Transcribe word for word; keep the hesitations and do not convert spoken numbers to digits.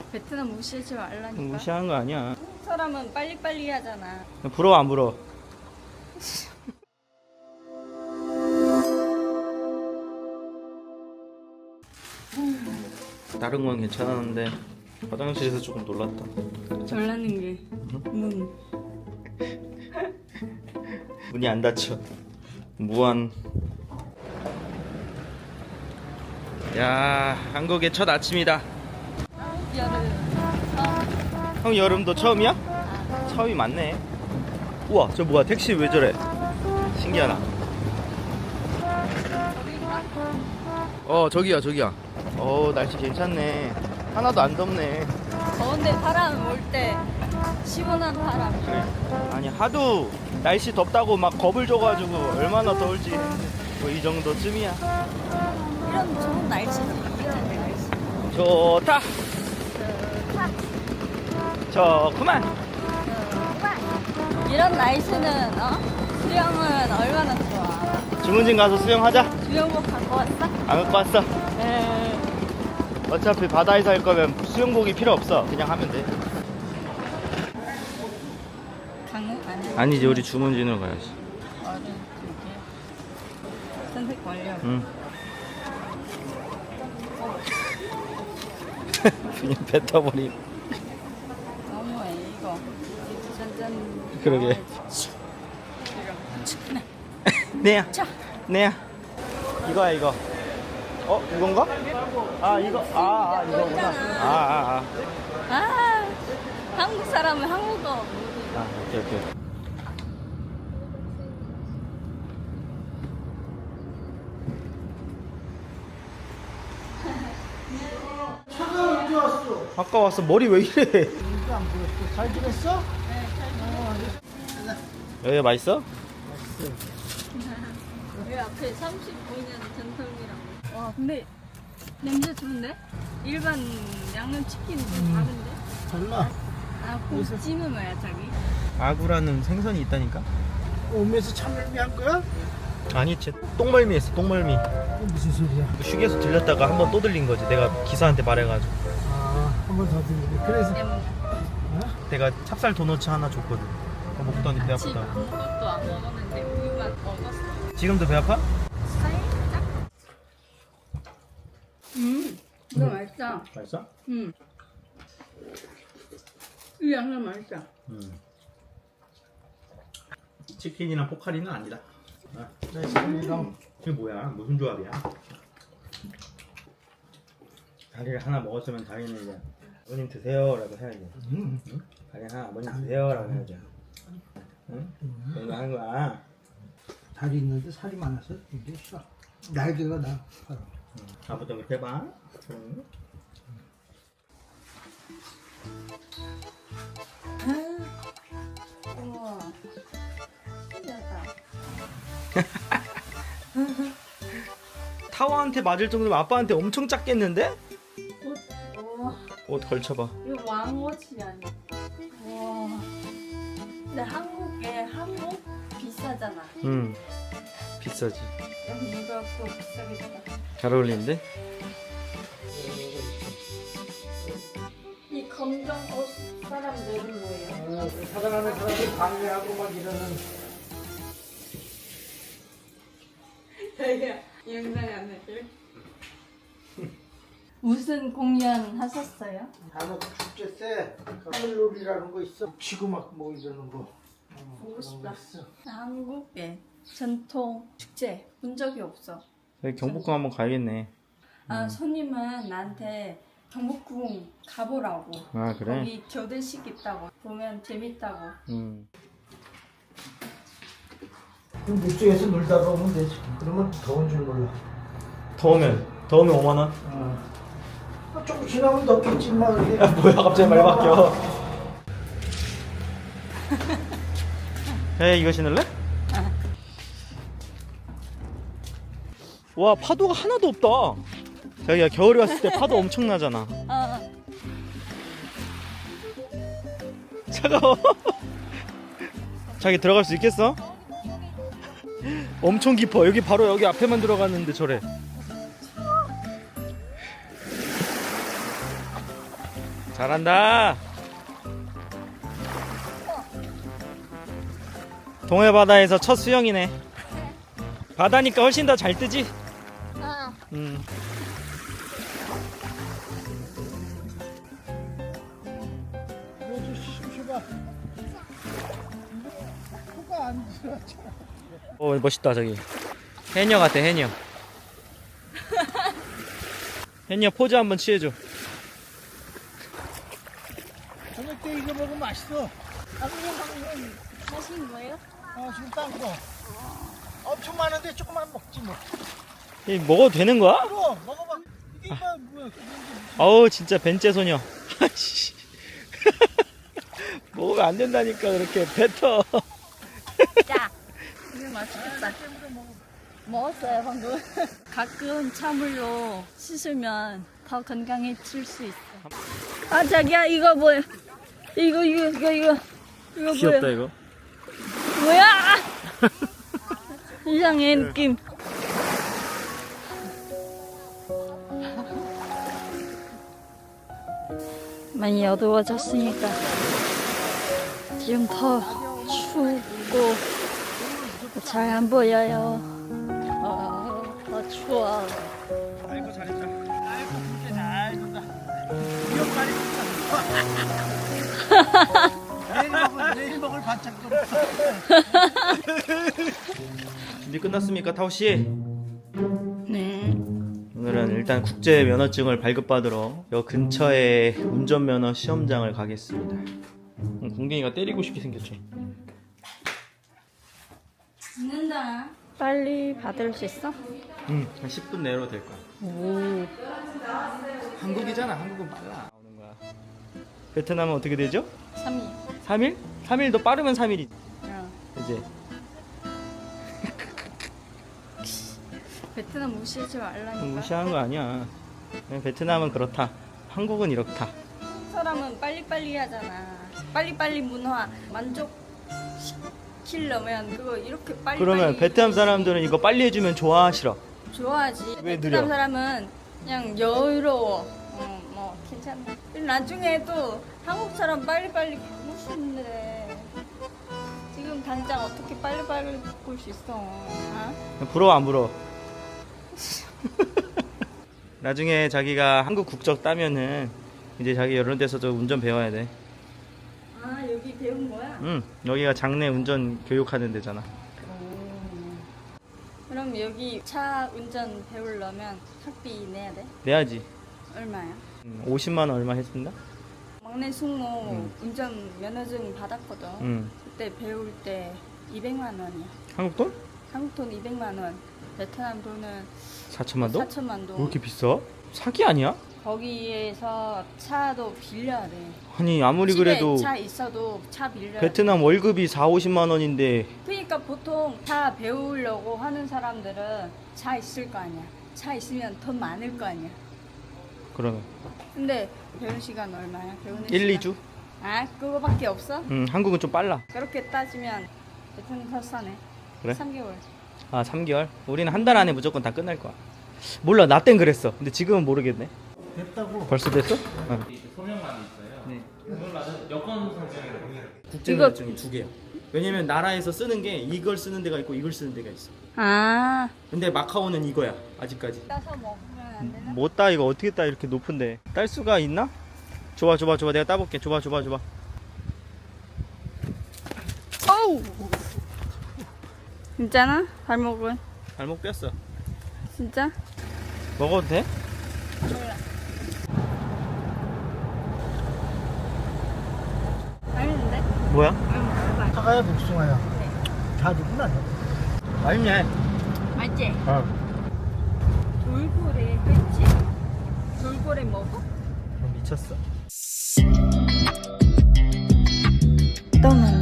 베트남 무시하지 말라니까. 무시하는 거 아니야. 한국 사람은 빨리빨리 하잖아. 부러워 안 부러워? 다른 건 괜찮았는데 화장실에서 조금 놀랐다. 졸라는 게 문. 문이 안 닫혀. 무한. 야, 한국의 첫 아침이다. 여름. 어. 형 여름도 처음이야? 처음이 많네. 우와, 저 뭐야? 택시 왜 저래? 신기하다. 어, 저기야, 저기야. 어, 날씨 괜찮네. 하나도 안 덥네. 더운데 바람 올 때 시원한 바람. 그래. 아니, 하도 날씨 덥다고 막 겁을 줘가지고 얼마나 더울지 뭐 이 정도쯤이야. 이런 좋은 날씨지. 이런 날씨. 좋다. 좋다. 좋구만. 좋아. 이런 날씨는 어? 수영은 얼마나 좋아. 주문진 가서 수영하자. 수영복 갖고 왔어? 안 갖고 왔어. 네. 어차피 바다에서 할 거면 수영복이 필요 없어. 그냥 하면 돼. 강릉 아니. 아니지, 우리 주문진으로 가야지. 어른 두 개. 선택 완료. 응. 그냥 뱉어버림. 너무해 이거. 짠짠. 그러게. 네. 네야. 자. 네야. 이거야 이거. 어 이건가? 아 이거 아, 아 이거구나. 아아 아, 아. 아 한국 사람은 한국어. 아 오케이 오케이. 차가 언제 왔어? 아까 왔어. 머리 왜 이래? 이게 안 보였어. 잘 지냈어? 여기 맛있어? 여기 앞에 삼십오 년 전통이라고. 와 근데 냄새 좋은데? 일반 양념치킨은 좀 다른데? 달라. 아 곱찜은 뭐야 자기? 아구라는 생선이 있다니까? 오면서 참을미 한 거야? 아니 쟤 똥멀미 했어. 똥멀미. 이게 무슨 소리야? 휴게소 들렸다가 한 번 또 들린 거지. 내가 기사한테 말해가지고. 아, 한 번 더 들리네. 그래서 냄새. 어? 내가 찹쌀 도너츠 하나 줬거든. 그거 먹더니 배 아침 아프다. 아무것도 안 먹었는데 우유만 먹었어. 지금도 배 아파? 살짝. 음, 이거 맛있다. 맛있어? 음. 이 양념 맛있다. 음. 치킨이랑 포카리는 아니다. 아, 네, 이랑 이게 뭐야? 무슨 조합이야? 다리를 하나 먹었으면 다리는 이제 아버님 드세요라고 해야지. 음. 응? 다리 하나 아버님 드세요라고 해야지. 응? 그런 거 하는 거야. 다리 있는데 살이 많아서 이게 쏴. 날개가 나. 바로. 응. 아버지 그렇게 해봐. 응. 우와. 신기하다. 타워한테 맞을 정도면 아빠한테 엄청 작겠는데? 옷, 우와. 옷 걸쳐봐. 이거 왕옷이 아니야. 와. 근데 한국에 한복 비싸잖아. 응. 비싸지. 여기 이거 또 비싸겠다. 잘 어울리는데? 이 검정 옷 사람들은 뭐예요? 어, 사랑하는 사람이 방해하고 막 이러는. 되게 영상이 안 나게. 무슨 공연 하셨어요? 단어 축제 때 하늘놀이라는 거 있어. 치고 막 뭐 이러는 거. 어, 보고 그런 싶다. 거 있어. 한국의 전통 축제 본 적이 없어. 여기 경복궁 한번 가야겠네. 아 손님은 나한테 경복궁 가보라고. 아 그래? 거기 교대식 있다고. 보면 재밌다고. 응. 그럼 물속에서 놀다가 오면 되지. 그러면 더운 줄 몰라. 더우면 더우면 오만 원? 어. 아, 조금 지나면 덥겠지만 이게. 야 뭐야 갑자기 말 바뀌어. 에 이거 신을래? 와 파도가 하나도 없다. 자기야 겨울에 왔을 때 파도 엄청 나잖아. 아, 차가워. 자기 들어갈 수 있겠어? 엄청 깊어. 여기 바로 여기 앞에만 들어갔는데 저래. 잘한다. 동해 바다에서 첫 수영이네. 바다니까 훨씬 더 잘 뜨지? 아, 음. 이거 좀 코가 안 들어가. 오, 멋있다 저기. 해녀 같아, 해녀. 해녀 포즈 한번 취해줘. 저녁 때 이거 먹으면 맛있어. 아버님 방금 하신 거예요? 아, 지금 딴 거. 엄청 많은데 조금만 먹지 뭐. 이 먹어도 되는 거야? 그럼 먹어봐. 이게 이거 뭐야? 어우 진짜 벤째 소녀. 아이씨. 먹으면 안 된다니까 그렇게 뱉어. 자, 이거 맛있겠다. 먹었어요 방금. 가끔 찬물로 씻으면 더 건강해질 수 있어. 아 자기야 이거 뭐야? 이거 이거 이거 이거 이거 귀엽다 뭐야? 이거. 뭐야? 이상해 느낌. 많이 어두워졌으니까 지금 더 춥고 잘 안 보여요. 어, 더 추워. 아이고 잘했다. 아이고 그렇게 잘 준다. 기억말이 내일 먹을 내일 먹을 반찬도 없어. 준비 끝났습니까, 타오 씨? 네. 오늘은 일단 국제 면허증을 발급받으러 여 근처에 운전면허 시험장을 가겠습니다. 음, 공댕이가 때리고 싶게 생겼죠. 죽는다. 빨리 받을 수 있어? 응, 한 십 분 내로 될 거야. 오. 한국이잖아. 한국은 빨라. 나오는 거야. 베트남은 어떻게 되죠? 삼 일. 삼 일? 삼 일도 빠르면 삼 일이지. 어. 이제 베트남 무시하지 말라니까. 무시하는 거 아니야. 그냥 베트남은 그렇다. 한국은 이렇다. 사람은 빨리빨리 하잖아. 빨리빨리 문화 만족시키려면 그거 이렇게 빨리 그러면 빨리 베트남 해야지. 사람들은 이거 빨리 해주면 좋아, 싫어? 좋아하지. 왜 베트남 느려? 사람은 그냥 여유로워. 어, 뭐 괜찮아. 나중에 또 한국 사람 빨리빨리 바꿀 수 있는데 지금 당장 어떻게 빨리빨리 바꿀 수 있어? 어? 부러워 안 부러워? 나중에 자기가 한국 국적 따면은 이제 자기 이런 데서도 운전 배워야 돼. 아 여기 배운 거야? 응, 여기가 장내 운전 교육하는 데잖아. 그럼 여기 차 운전 배우려면 학비 내야 돼? 내야지. 얼마야? 음, 오십만 원 얼마 했습니다. 막내 숙모 응. 운전 면허증 받았거든. 응. 그때 배울 때 이백만 원이야. 한국 돈? 한국 돈 이백만 원. 베트남 돈은 사천만 원? 사천만 왜 원. 이렇게 비싸? 사기 아니야? 거기에서 차도 빌려야 돼. 아니 아무리 집에 그래도 차 있어도 차 빌려야 돼. 베트남 월급이 사오십만 원인데 그러니까 보통 차 배우려고 하는 사람들은 차 있을 거 아니야. 차 있으면 돈 많을 거 아니야. 그러면 근데 배우는 시간 얼마야? 배우는 일, 시간. 이 주? 아 그거밖에 없어? 응, 한국은 좀 빨라. 그렇게 따지면 베트남 더 싸네. 그래? 삼 개월. 아, 삼 개월? 우리는 한 달 안에 무조건 다 끝날 거야. 몰라, 나 땐 그랬어. 근데 지금은 모르겠네. 됐다고. 벌써 됐어? 응. 소명란이 있어요. 네. 소명란은 여권 설정이라고 해요. 국제면허증이 두 개야. 왜냐면 나라에서 쓰는 게 이걸 쓰는 데가 있고 이걸 쓰는 데가 있어. 아. 근데 마카오는 이거야, 아직까지. 따서 먹으면 안 되나? 못 따, 이거 어떻게 따, 이렇게 높은데. 딸 수가 있나? 줘봐, 줘봐, 줘봐. 내가 따볼게. 줘봐, 줘봐, 줘봐. 어우. 진짜나? 발목은? 발목 뺐어. 진짜? 먹어도 돼? 몰라. 맛있는데? 뭐야? 음, 사과야 복숭아야. 다 누구나. 맛있네. 맛있지? 어. 돌고래 했지? 돌고래 먹어? 미쳤어. 떠나